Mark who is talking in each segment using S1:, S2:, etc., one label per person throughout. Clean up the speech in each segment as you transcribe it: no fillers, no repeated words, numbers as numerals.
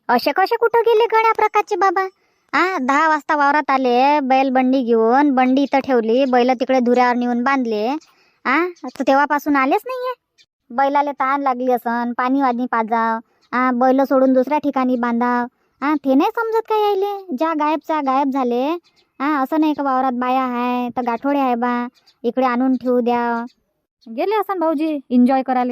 S1: असे कसे कुठं गेले गड्या प्रकारचे बाबा? 10 वाजता वावरात आले, बैल बंडी घेऊन, बंडी इथं ठेवली, बैल तिकडे धुऱ्यावर नेऊन बांधले. तर तेव्हापासून आलेच नाहीये. बैलाले तहान लागली असन, पाणी वाणी पाजाव, बैल सोडून दुसऱ्या ठिकाणी बांधाव. ते नाही समजत काय यायले? ज्या गायबच्या गायब झाले. असं नाही का वावरात बाया आहे तर गाठोडे आहे बा, इकडे आणून ठेवू द्या.
S2: गेले असन भाऊजी एन्जॉय करायला.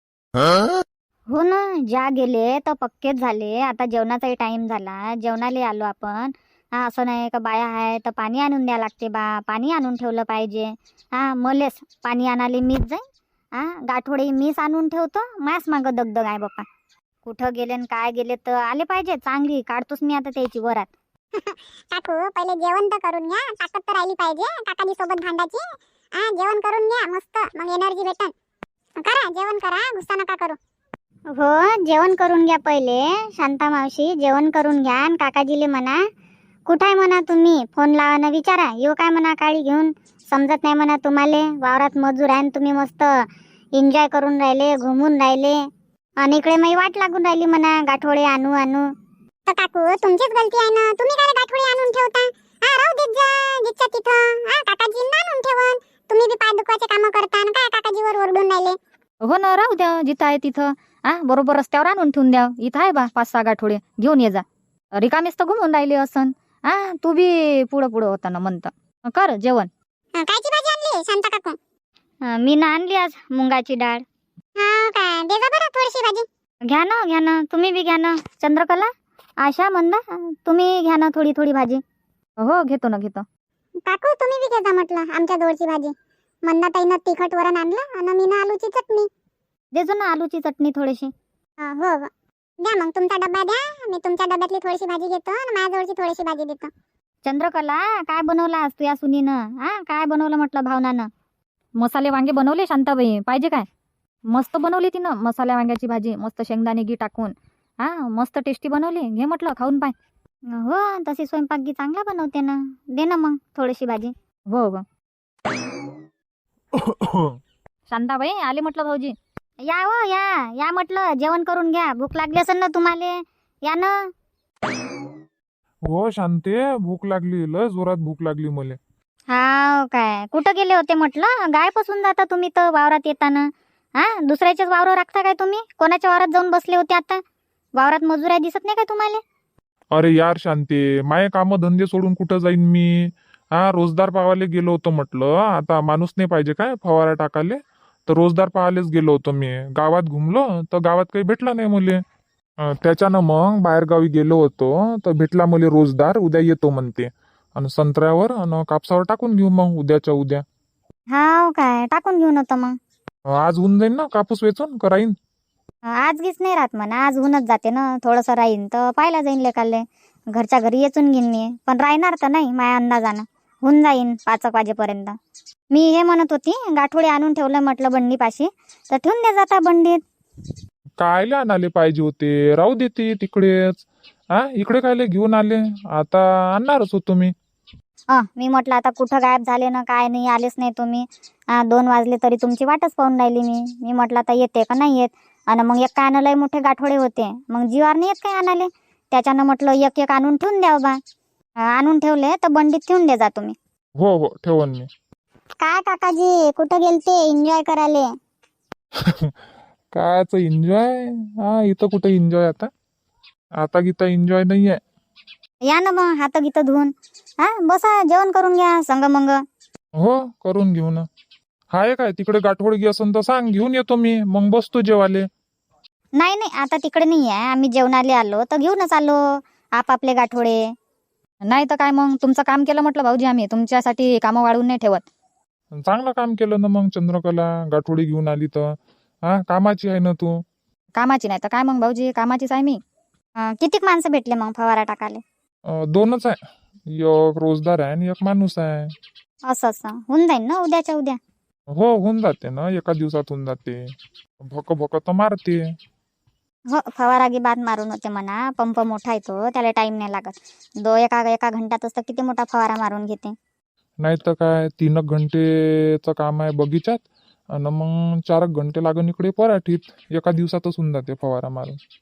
S1: हो ना, ज्या गेले तर पक्केच झाले. आता जेवणाचाही टाइम झाला, जेवणाला आलो आपण. असं नाही का बाया आहे तर पाणी आणून द्या लागते बा, पाणी आणून ठेवलं पाहिजे. मलेच पाणी आणाले मीच जाईन. गाठोडे मीच आणून ठेवतो, मास मागं दगदग आहे बाप्पा. कुठं गेले न काय गेले तर आले पाहिजे, चांगली काढतोच मी आता त्याची वरात.
S3: काकू पहिले जेवण तर करून घ्या, ताकद तर राहिली पाहिजे काकाजी सोबत भांडायची. जेवण करून घ्या मस्त, मग एनर्जी भेटन. करा जेवण करा, गुस्सा नका करू.
S1: हो, जेवण करून घ्या पहिले. शांता मावशी जेवण करून घ्या आणि काकाजीले म्हणा कुठं आहे म्हणा, तुम्ही फोन लावा ना विचारा. येऊ काय म्हणा काळी घेऊन, समजत नाही म्हणा तुम्हाला. वावरात मजूर आहे तुम्ही, मस्त एन्जॉय करून राहिले, घुमून राहिले, आणि इकडे मी वाट लागून राहिली म्हणा गाठोडे आणू आणू.
S3: तर काकू तुमचीच गलती आहे ना, तुम्ही काय गाठोडी आणून ठेवता. राहू देत जा जिथच्या तिथं. काकाजी आणून ठेवन, तुम्ही बी पाय दुखवायचे काम करता ना, काय काकाजीवर ओरडून राहिले.
S2: हो ना, राहू द्या जिथं आहे तिथं. बरोबर रस्त्यावर आणून ठेवून द्या. इथं आहे बा 5-6 गाठोडे, घेऊन ये जा. रिकामीच तर घुमून राहिले असन. तू बी पुढं पुढं होता ना म्हणता. कर जेवण.
S3: कायची भाजी आणली शांता काकू?
S1: मी ना आणली आज मुंगाची डाळ.
S3: काय दे जा बरं थोडीशी भाजी.
S1: घ्या ना तुम्ही बी घ्या ना. चंद्रकला, आशा, मंदा, तुम्ही घ्या ना थोडी थोडी भाजी.
S2: हो घेतो ना घेतो.
S3: काकू तुम्ही बी घे जा म्हटलं आमच्या जवळची भाजी. मंदाताईनं तिखट वरण आणलं आणि मीनं आलूची चटणी.
S1: देजो ना आलूची चटणी थोडीशी.
S3: हो द्या मग, तुमचा डब्बा द्या, मी तुमच्या डब्यातली थोडीशी भाजी घेतो आणि माझ्या जवळची थोडीशी भाजी देतो.
S1: चंद्रकला, काय बनवलं आज तू या सुनीनं? काय बनवलं म्हटलं भावनानं?
S2: मसाले वांगे बनवले शांताबाई, पाहिजे काय? मस्त बनवली तिनं मसाल्या वांग्याची भाजी, मस्त शेंगदाणे घी टाकून. मस्त टेस्टी बनवली. घे म्हटलं खाऊन पाय.
S1: हो, तशी स्वयंपाकगी चांगला बनवते ना. दे ना मग थोडीशी भाजी.
S2: हो हो. शांताबाई आले म्हटलं भाऊजी.
S1: या हो या म्हटलं, जेवण करून घ्या. भूक लागली असेल ना तुम्हाला, या ना.
S4: हो शांते, भूक लागली, लय जोरात भूक लागली मले.
S1: काय कुठं गेले होते म्हटलं? गायपासून जाता तुम्ही तर वावरात येताना. दुसऱ्याच्याच वावर राखता काय तुम्ही? कोणाच्या वावरात जाऊन बसले होते आता? वावरात मजूर आहे दिसत नाही काय तुम्हाला?
S4: अरे यार शांते, माये काम धंदे सोडून कुठं जाईन मी? रोजदार पावाले गेलो होतो म्हटलं. आता माणूस नाही पाहिजे काय फवारा टाकाले? तर रोजदार पाहायलाच गेलो होतो मी. गावात घुमलो तर गावात काही भेटला नाही मले. त्याच्यानं मग बाहेरगावी गेलो होतो तर भेटला मले रोजदार. उद्या येतो म्हणते, आणि संत्र्यावर आणि कापसावर टाकून घेऊ मग उद्याच्या उद्या.
S1: काय टाकून घेऊन होतं मग?
S4: आज होऊन जाईन ना कापूस वेचून कराईन.
S1: आज गीच नाही राहत म्हणा, आज होऊनच जाते ना. थोडंसं राहीन तर पाहायला जाईन लेकाले. घरच्या घरी येचून घेईन मी, पण राहणार तर नाही माझ्या अंदाजानं. होऊन जाईन 5 वाजेपर्यंत. मी हे म्हणत होती, गाठोडे आणून ठेवलं म्हटलं बंडीपाशी, तर ठेवून दे जाता बंडीत.
S4: कायले आणाले पाहिजे होते? राहू देते तिकडेच. इकडे कायले घेऊन आले? आता आणणारच होतो मी.
S1: मी म्हटलं आता कुठं गायब झाले ना, काय नाही, आलेच नाही तुम्ही. 2 वाजले तरी तुमची वाटच पाहून राहिली मी म्हटलं आता येते का नाही येत. आणि मग एक काय आणलंय, मोठे गाठोडे होते, मग जीवार नाही येत काय आणाले. त्याच्यानं म्हटलं एक एक आणून ठेवून द्या बा. आणून ठेवले तर बंडीत ठेवून दे जा तुम्ही.
S4: हो ठेवन मी.
S1: काय काकाजी कुठं गेलते एन्जॉय करायले?
S4: कायच एन्जॉय? इथं कुठं एन्जॉय? आता गीता एन्जॉय नाहीये.
S1: या ना मग हात गीत धुवून. बसा जेवण करून घ्या संग मंग.
S4: हो करून घेऊ ना. हाय काय तिकडे गाठोडगी असन तर सांग, घेऊन येतो मी, मग बसतो जेवाले.
S1: नाही आता तिकडे नाही आहे, आम्ही जेवणाले आलो तर घेऊनच आलो आपापले गाठोडे.
S2: नाही तर काय, मग तुमचं काम केलं म्हटलं भाऊजी. आम्ही तुमच्यासाठी कामं वाढवून नाही ठेवत.
S4: चांगलं काम केलं ना मग चंद्रकला, गाठोडी घेऊन आली तर. कामाची आहे ना तू.
S2: कामाची नाही तर काय मग भाऊजी, कामाचीच आहे मी.
S1: कितीक माणसं भेटले मग फवारा टाकाले?
S4: 2च आहे, एक रोजदार आहे आणि एक माणूस आहे.
S1: असं होऊन जाईल ना उद्याच्या उद्या?
S4: हो होऊन जाते ना, एका दिवसात होऊन जाते. भक तर मारते.
S1: हो, फवारागी बाद मारून होते म्हणा. पंप मोठा येतो, त्याला टाइम नाही लागत. एका घंट्यातच तर किती मोठा फवारा मारून घेते.
S4: नाही तर काय, 3 घंटेचं काम आहे बगीचात, आणि मग 4 घंटे लागून इकडे पराठीत. एका दिवसातच होऊन जाते फवारा मारून.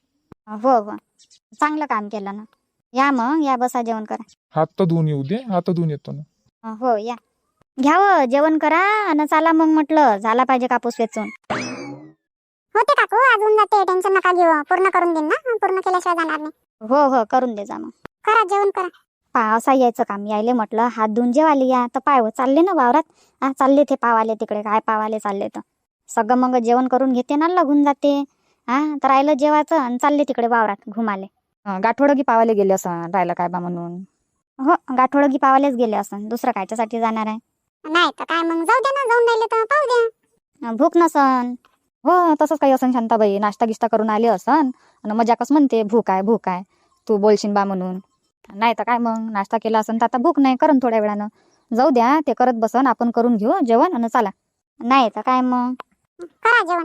S1: हो हो, चांगलं काम केलं ना. या मग, या बसा, जेवण करा.
S4: हात तर धुवून येऊ दे, हात धुवून येतो ना.
S1: हो या, घ्यावं जेवण करा आणि चाला मग. म्हटलं झाला पाहिजे कापूस वेचून.
S3: होते काकू, आज होऊन जाते, टेन्शन नका घेऊ. पूर्ण करून देईन ना, पूर्ण केल्याशिवाय जाणार नाही.
S1: हो हो, करून दे जा मग.
S3: करा जेवण करा.
S1: पावसा यायचं काम यायले म्हटलं हात धुवून जेवायला या. तर पाय हो, चालले ना वावरात. चालले ते पावाले तिकडे, काय पावाले चालले तर सगळं मग जेवण करून घेते ना, लागून जाते. तर राहिलं जेवायचं आणि चालले तिकडे वावरात घुमाले.
S2: गाठोडं पावाले गेले असं राहिलं काय बा म्हणून.
S1: हो, गाठोडगी पावालेच गेले असं, दुसरं कायच्यासाठी जाणार आहे.
S3: नाही तर काय मग, जाऊ दे ना, जाऊन राहिले तर पाहू द्या.
S1: भूक नसन.
S2: हो तसंच काही असन शांताबाई, नाश्ता गिश्ता करून आले असन आणि मजाकच म्हणते भूक आहे भूक आहे, तू बोलशील बा म्हणून. नाही तर काय मग, नाश्ता केला असन तर आता भूक नाही, करून थोड्या वेळानं. जाऊ द्या, ते करत बसन, आपण करून घेऊ जेवण आणि चला.
S1: नाही तर काय मग.
S3: करा जेवण.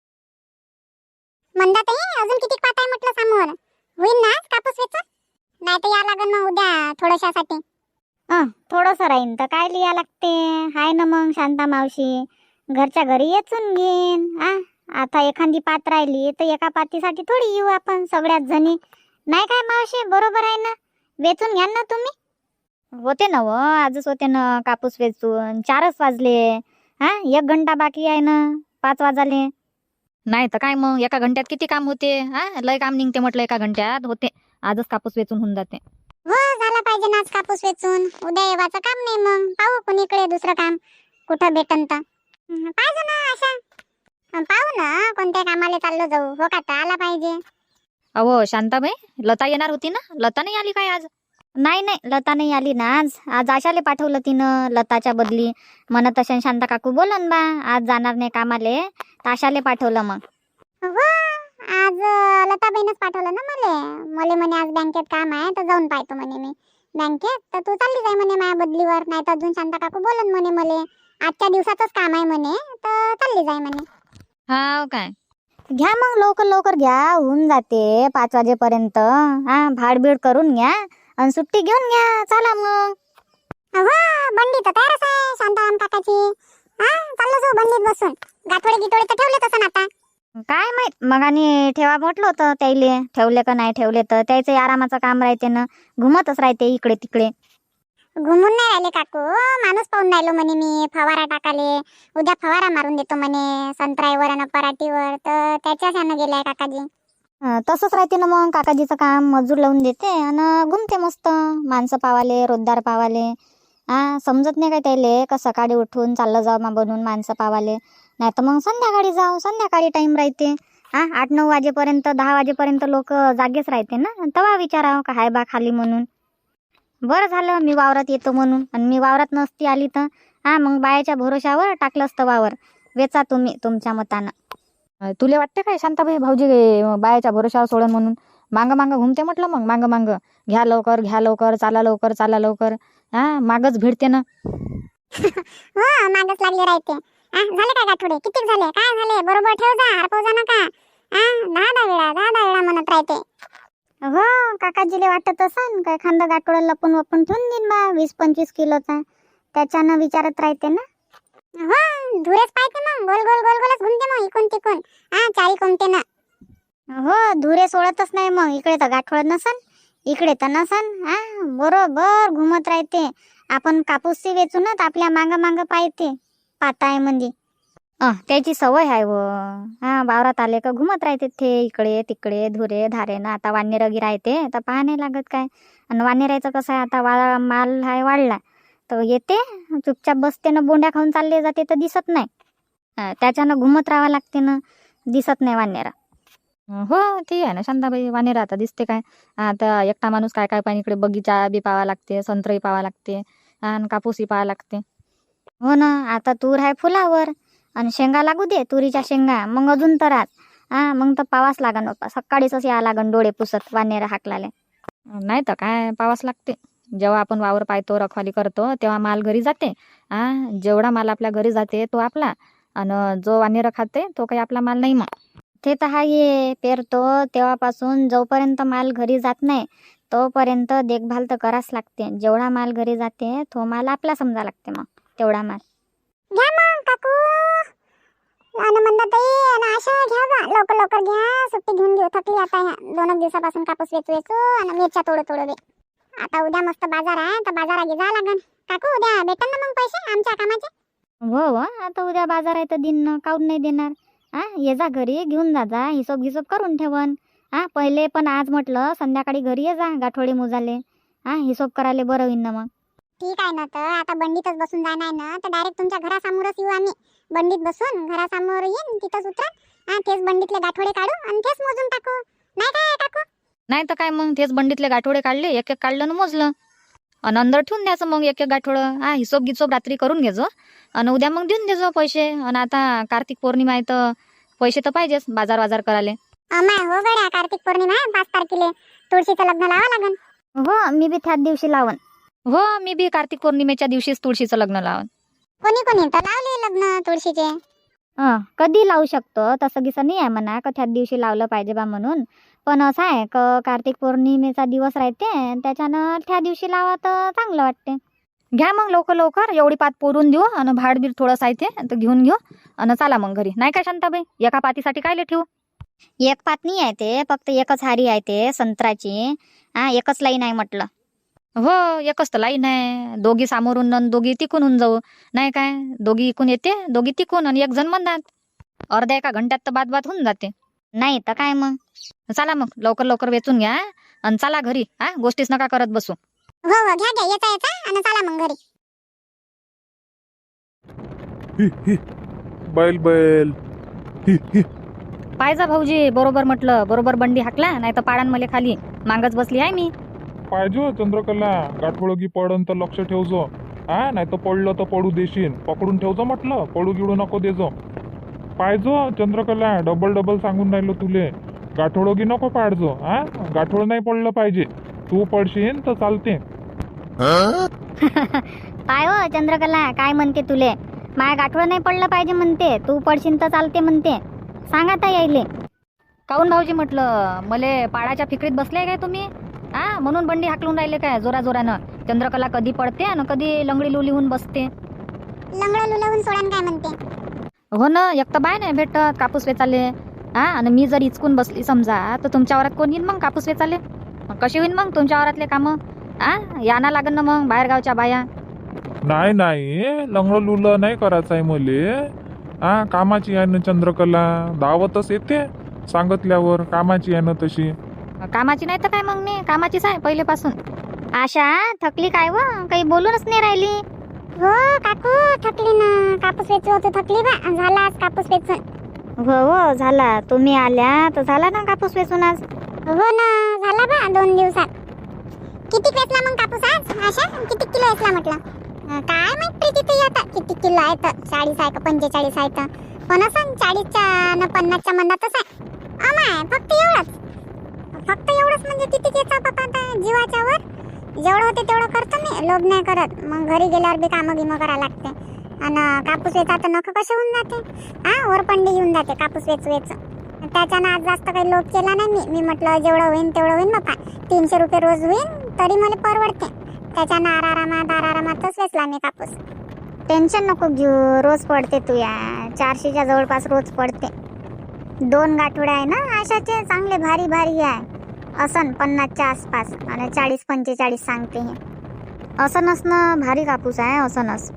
S3: मंदाताई, अजून किती पाट आहे म्हटलं समोर? होईल ना आज कापूस वेचून? नाही तर या लागन मग उद्या थोड्याशासाठी.
S1: थोडस राहीन तर काय लिहा लागते. हाय ना मग शांता मावशी, घरच्या घरी येचून घेईन. आता एखादी पात राहिली तर एका पातीसाठी थोडी येऊ आपण सगळ्याच जणी. नाही काय मावशी, बरोबर आहे ना? वेचून घ्या ना तुम्ही. होते ना आजच होते ना कापूस वेचून. 4च वाजले. 1 घंटा बाकी आहे ना, 5 वाजाले.
S2: नाही तर काय मग, एका घंट्यात किती काम होते. लय काम निघते म्हटलं, एका घंट्यात होते. आजच कापूस वेचून होऊन जाते.
S3: हो, झाला पाहिजे ना आज कापूस वेचून. उद्या येवाचं काम नाही मग, पाहू कोणीकडे दुसरं काम कुठं भेटन तर. पाहिजे ना अशा. पाहू ना कोणत्या कामाला चाललो जाऊ. हो का, तर आला पाहिजे.
S2: अहो शांताबाई, लता येणार होती ना, लता नाही आली काय आज?
S1: नाही नाही, लता नाही आली ना आज. आज आशाले पाठवलं तिनं लताच्या बदली. म्हणत असेल शांता काकू बोलन बा, आज जाणार नाही कामाले, तर आशाले पाठवलं मग.
S3: हो, आज लताबाईनच पाठवलं ना मले म्हणे आज बँकेत काम आहे तर जाऊन पाहतो म्हणे मी बँकेत. तर तू चालली जाय म्हणे माझ्या बदलीवर, नाही तर अजून शांता काकू बोलन म्हणे मले आजच्या दिवसाचंच काम आहे म्हणे, तर चालली जाय म्हणे.
S2: हा काय,
S1: घ्या मग, लवकर लवकर घ्या, होऊन जाते 5 वाजेपर्यंत. भाडबीड करून घ्या आणि सुट्टी घेऊन घ्या. चला मग.
S3: हो, बंडी तर तयारच आहे शांताराम काकाची. चाललो जाऊ बंडीत बसून. गाठोडे गिटोडे तर ठेवले तसं आता.
S1: काय माहित, मग आणि ठेवा म्हटलं होतं त्याईले, ठेवले का नाही ठेवले तर त्याचं आरामाचं काम राहते ना, घुमतच राहते इकडे तिकडे.
S3: घुमून नाही राहिले काकू, माणूस पाहून राहिलो म्हणे मी फवारा टाकाले. उद्या फवारा मारून देतो म्हणे संत्र्यावर आणि पराठीवर, तर त्याच्याच यानं गेलाय काकाजी.
S1: तसंच राहते ना मग, काकाजीचं काम मजूर लावून देते आणि घुमते मस्त. माणसं पावाले, रोजदार पावाले. समजत नाही काय त्याले का सकाळी उठून चाललं जाऊ मा बनून माणसं पावाले, नाही तर मग संध्याकाळी जाऊ. संध्याकाळी टाइम राहते. 8-9 वाजेपर्यंत, 10 वाजेपर्यंत लोक जागेच राहते ना, तेव्हा विचारावं का हाय बा खाली म्हणून. बरं झालं मी वावरात येतो म्हणून, आणि मी वावरात नसती आली तर मग बायाच्या भरोशावर टाकलं असतं वावर. वेचा तुम्ही तुमच्या मतानं.
S2: तुले वाटते काय शांताबाई भाऊजी बायाच्या भरोशावर सोडन म्हणून? मांग मांग घुमते म्हटलं, मग मांग मांग घ्या लवकर घ्या लवकर, चाला लवकर चाला लवकर. मागच भिडते ना.
S3: हो, मागच लागले राहते. झाले काय गाठोडे, किती झाले, काय झाले, बरोबर ठेव जा, हरपव जा नका. 10 वेळा म्हणत राहते.
S1: हो, काकाजीले वाटत असन काय खांदा गाठोडं लपून वपून ठेवून देईन बा 20-25 किलोचा, त्याच्यानं विचारत राहते ना.
S3: हो, धुरेच पाहते मग, गोल गोल गोल गोलच घुमते मग इकून तिकून. चारी कोणते ना.
S1: हो, धुरे सोडतच नाही मग. इकडे तर गाठोड नसन, इकडे तर नसन. बरोबर घुमत राहते. आपण कापूसची वेचूनच आपल्या मांग मांग पाहते पाताय म्हणजे. त्याची सवय आहे वावरात आले का घुमत राहते ते इकडे तिकडे, धुरे धारेनं. आता वानेरगी राहते तर पाहा नाही लागत काय. आणि वानेरायचं कसं आहे, आता माल आहे वाढला तर येते चुपचाप बसते ना, बोंड्या खाऊन चालले जाते तर दिसत नाही. त्याच्यानं घुमत राहावं लागते ना, दिसत नाही वानेरा.
S2: हो ते आहे ना शांताबाई, वानेर आता दिसते काय. आता एकटा माणूस काय काय पाहिजे, इकडे बगीचा बी पावा लागते, संत्रही पावा लागते आणि कापूसही पावा लागते.
S1: हो ना, आता तूर आहे फुलावर आणि शेंगा लागू दे, तुरीच्या शेंगा, मग अजून तरात. मग तर पावाच लागन बाप्पा, सकाळीच या लागन डोळे पुसत वानेर हाकलाले.
S2: नाही तर काय, पावाच लागते. जेव्हा आपण वावर पाहतो, रखवाली करतो, तेव्हा माल घरी जाते. जेवढा माल आपल्या घरी जाते तो आपला, आणि जो वानेर खाते तो काही आपला माल नाही. मग
S1: ते तर हाये, पेरतो तेव्हापासून जोपर्यंत माल घरी जात नाही तोपर्यंत देखभाल तर करावंच लागते. जेवढा माल घरी जाते तो माल आपला समजा लागते. मग तेवढा माल
S3: घ्या मग काकू, आणि मंदाताई आणि आशा घ्या बा, लवकर लवकर घ्या, सुट्टी घेऊन घेऊ. थकली आता ह्या 2 दिवसापासून कापूस वेचू आणि मिरच्या तोडू दे. आता उद्या मस्त बाजार आहे, तर बाजारात जा लागन. काकू उद्या भेटन ना मग पैसे आमच्या कामाचे?
S1: हो आता उद्या बाजार आहे तर दिन काऊन नाही देणार. ये जा घरी घेऊन जा हिशोब गिशोब करून ठेवन. पहिले पण आज म्हटलं संध्याकाळी घरी ये जा गाठोडे मोजाले. हिशोब करायला बरं होईन ना मग.
S3: ठीक आहे ना, तर आता बंडीतच बसून जाणार ना, तर डायरेक्ट तुमच्या घरासमोरच येऊ आम्ही. बंडीत बसून घरासमोर येईन, तिथंच उतरा. तेच बंडीतले गाठोडे काढू आणि तेच मोजून टाकू. नाही काय काकू?
S2: नाही तर काय मग, तेच बंडीतले गाठोडे काढले, एक एक काढलं ना मोजलं आणि अंदर ठेवून द्यायचं मग एक एक गाठोडं. हिशोब गिशोब रात्री करून घ्यायचो आणि उद्या मग देऊन द्यायचो पैसे. आणि आता कार्तिक पौर्णिमा आहे तर पैसे तर पाहिजेच बाजार करायला.
S3: अमाय हो गड्या, कार्तिक पौर्णिमा 5 तारखेला तुळशीचं लग्न लावा लागन.
S1: हो मी बी त्याच दिवशी लावन.
S2: हो मी बी कार्तिक पौर्णिमेच्या दिवशीच तुळशीचं लग्न लावन.
S3: कोणी तर लावले लग्न तुळशीचे.
S1: कधी लावू शकतो, तसं गिसं नाही आहे म्हणा का त्याच दिवशी लावलं पाहिजे बा म्हणून. पण असं आहे का कार्तिक पौर्णिमेचा दिवस राहते, त्याच्यानं त्या दिवशी लावा तर चांगलं वाटते.
S2: घ्या मग लवकर लवकर, एवढी पात पोरून देऊ आणि भाडबीर थोडं साहित्य तर घेऊन घेऊ आणि चला मग घरी. नाही काय शांताबाई, एका पातीसाठी काय ठेवू?
S1: एक पात नाही आहे ते, फक्त एकच हारी आहे ते संत्राची. एकच लाईन आहे म्हटलं.
S2: हो एकच तर लाईन आहे, दोघी सामोरून आणि दोघी तिकून होऊन जाऊ. नाही काय, दोघी इकून येते, दोघी तिकून आणि एक जण म्हणतात. अर्ध्या एका घंट्यात तर बात होऊन जाते.
S1: नाही तर काय मग.
S2: चला मग लवकर लवकर वेचून घ्या आणि चला घरी. गोष्टीच नका करत बसू.
S3: हो घ्या येता आणि चला मग घरी.
S4: बैल बैल
S2: पाहिजा भाऊजी, बरोबर म्हटलं, बरोबर बंडी हाकला, नाही तर पाडान मले खाली मागच बसली आहे मी.
S4: पाहिजे चंद्रकला, गाठोळगी पडन तर लक्ष ठेवजो. नाही तर पडलं तर पडू देशील, पकडून ठेवजो म्हटलं, पडू गिडू नको देजो. पाहिजो चंद्रकला, डबल सांगून राहिलो तुले, गाठोळगी नको पाडजो. गाठोळ नाही पडलं पाहिजे, तू पडशील तर चालते.
S1: पाय हो चंद्रकला काय म्हणते तुले, माया गाठोड नाही पडलं पाहिजे म्हणते, तू पडशील तर चालते म्हणते. सांग आता यायले.
S2: काऊन भाऊजी म्हटलं, मले पाडाच्या फिकरीत बसले काय तुम्ही? म्हणून बंडी हाकलून राहिले काय जोरानं? चंद्रकला कधी पडते आणि कधी लंगडी लुली होऊन बसते.
S3: लंगडं लुलवून सोडन काय म्हणते?
S2: हो ना, एक तर बाय नाही भेटत कापूस वेचाले. आणि मी जर इचकून बसली समजा तर तुमच्या वरात कोण येईन मग कापूस वेचाले? कशी होईन मग तुमच्या वरातले कामं? याना लागन ना मग बाहेरगावच्या बाया.
S4: नाही लंगडं लुलं नाही करायचं आहे मले. कामाची आहे ना चंद्रकला, दावतच येते सांगितल्यावर. कामाची आहे ना तशी.
S2: कामाची नाही तर काय मग, मी कामाचीच आहे पहिलेपासून.
S1: आशा थकली काय व, काही बोलूनच नाही राहिली.
S3: हो काकू थकली ना, कापूस वेचू होतो, थकली बा. झाला आज कापूस वेचून.
S1: हो झाला, तुम्ही आल्या तर झाला ना कापूस वेचून आज.
S3: हो ना झाला बा 2 दिवसात. किती वेचला मग कापूस आज आशा? किती किलो वेचला म्हटलं? काय माहित प्रीती ते आता किती किलो आहे तर, 40 आहे का 45 आहे तर. पण असं 40च्या न 50च्या मंदातच आहे. अमाय फक्त एवढंच म्हणजे किती घेता बाबा आता जीवाच्या वर. जेवढं होते तेवढं करतो मी, लोभ नाही करत. मग घरी गेल्यावर बी कामं गिमं करायला लागते. आणि कापूस वेचा तर नख कसे होऊन जाते. वरपंडी येऊन जाते कापूस वेच. त्याच्यानं आज जास्त काही लोभ केला नाही मी म्हटलं जेवढं होईन तेवढं होईन बाबा. 300 रुपये रोज होईन तरी मला परवडते. त्याच्यानं आरामातच वेचला मी कापूस.
S1: टेन्शन नको घेऊ, रोज पडते तू या 400च्या जवळपास रोज पडते. 2 गाठोडे आहे ना आशाचे, चांगले भारी आहे. असन 50च्या आसपास आणि 40-45 सांगते हे. असनच ना, भारी कापूस आहे असनच.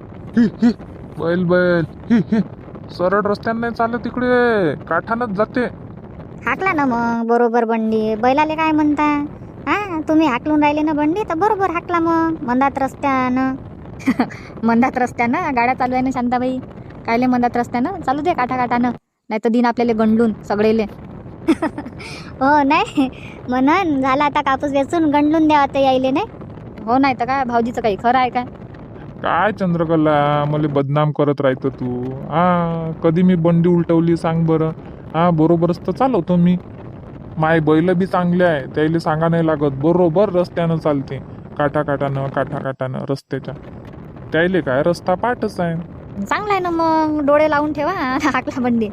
S4: बैल सरळ रस्त्याने नाही चालत, तिकडे काठानच जाते.
S1: हाकला ना मग बरोबर बंडी. बैलाले काय म्हणता? तुम्ही हाकलून राहिले ना बंडी तर बरोबर हाकला मग मंदात रस्त्यानं.
S2: मंदात रस्त्यानं गाड्या चालू आहे ना शांताबाई, कायले मंदात रस्त्यानं चालू दे काठानं, नाही तर दिन आपल्याला गंडलून सगळेले.
S1: हो नाही म्हणून झाला आता कापूस वेचून गंडलून द्यावा तर यायले नाही.
S2: हो नाही तर काय, भाऊजीचं काही खरं आहे काय?
S4: काय चंद्रकला, मला बदनाम करत राहतं तू. कधी मी बंडी उलटवली सांग बरं? बरोबरच तर चालवतो मी. माय बैल बी चांगले आहे, त्याला सांगा नाही लागत, बरोबर रस्त्यानं चालते. काठानं रस्त्याच्या. त्याले काय रस्ता पाठच आहे.
S2: चांगला आहे ना मग, डोळे लावून ठेवा हाकला बंडी.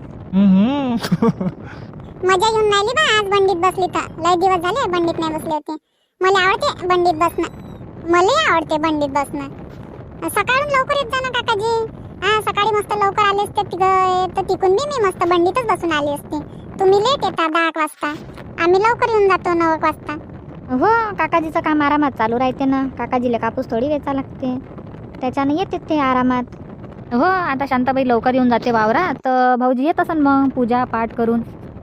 S3: मजा येऊन राहिली बा आज बंडीत बसली तर. लय दिवस झाले बंडीत नाही बसले होते. मला आवडते बंडीत बसणं, मला आवडते बंडीत बसणं. सकाळून लवकर येत जा ना काकाजी. हा सकाळी मस्त लवकर आले असते तर तिकून मी मस्त बंडीतच बसून आली असते. तुम्ही लेट येता 10 वाजता, आम्ही लवकर येऊन जातो 9 वाजता.
S1: हो काकाजीचं काम आरामात चालू राहते ना. काकाजीला कापूस थोडी वेचा लागते, त्याच्यानं येते ते आरामात.
S2: हो आता शांताबाई लवकर येऊन जाते वावरात, तर भाऊजी येत असन मग पूजा पाठ करून.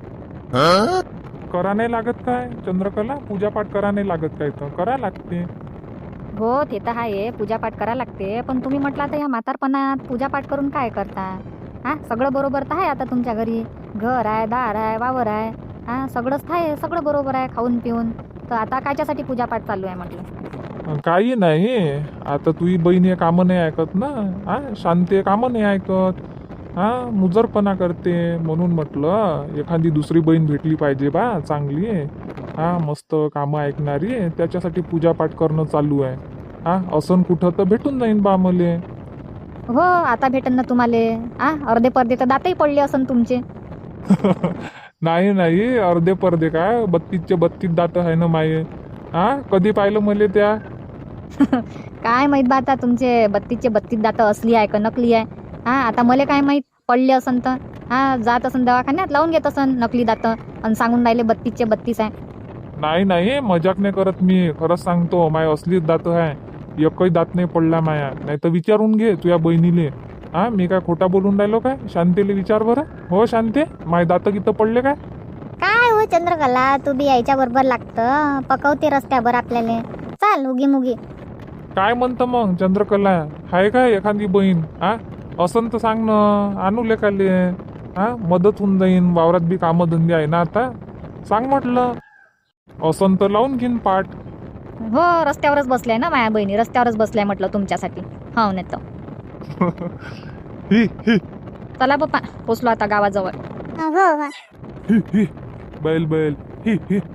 S4: करा नाही लागत काय चंद्रकला? पूजापाठ करा नाही लागत काय? तर करा लागते.
S2: हो ते तर आहे, पूजापाठ करा लागते. पण तुम्ही म्हटलं तर या म्हातारपणात पूजापाठ करून काय करता? हा सगळं बरोबर तर आहे आता तुमच्या घरी, घर आहे, दार आहे, वावर आहे, हा सगळंच आहे, सगळं बरोबर आहे खाऊन पिऊन. तर आता कायच्यासाठी पूजापाठ चालू आहे म्हटलं?
S4: काही नाही, आता तुझी बहीण हे कामं नाही ऐकत ना. हा शांती कामं नाही ऐकत, हा मुजरपणा करते. म्हणून म्हटलं एखादी दुसरी बहीण भेटली पाहिजे बा चांगली, हा मस्त कामं ऐकणारी. त्याच्यासाठी पूजापाठ करणं चालू आहे. हा असं कुठं तर भेटून जाईन बा मले.
S2: हो आता भेटन ना तुम्हाला. अर्धे पर्दे तर दातही पडले असन तुमचे.
S4: नाही अर्धे पर्दे काय, 32चे 32 दात आहे ना माये. हा कधी पाहिलं मले त्या?
S2: काय माहित बा आता तुमचे 32चे 32 दात असली आहे का नकली आहे. हा आता मला काय माहित, पडले असन तर हा जात असन दवाखान्यात लावून घेत असन नकली दात आणि सांगून राहिले 32चे 32 आहे.
S4: नाही मजाक नाही करत मी, खरंच सांगतो. माय असलीच दात आहे, एकही दात नाही पडला माया. नाही तर विचारून घे तुझ्या बहिणीले. हा मी काय खोटा बोलून राहिलो काय? शांतीले विचार बरं. हो शांती, माय दात किती पडले काय?
S1: काय हो चंद्रकला, तू बी यायच्या बरोबर लागतं, पकवते रस्त्यावर आपल्याला. चाल उगी मुगी.
S4: काय म्हणतं मग चंद्रकला, हाय काय एखादी बहीण? हा असं तर सांग ना, आणू लेखाले. हा मदत होऊन जाईन, वावरात बी कामं धंदे आहे ना आता. सांग म्हटलं, असं तर लावून घेईन पाठ.
S2: हो रस्त्यावरच बसलाय ना माया बहिणी, रस्त्यावरच बसलाय म्हटलं तुमच्यासाठी. हो नाही तर
S4: ही
S2: चला बाप्पा, पोचलो आता गावाजवळ.
S3: हो
S4: बैल ही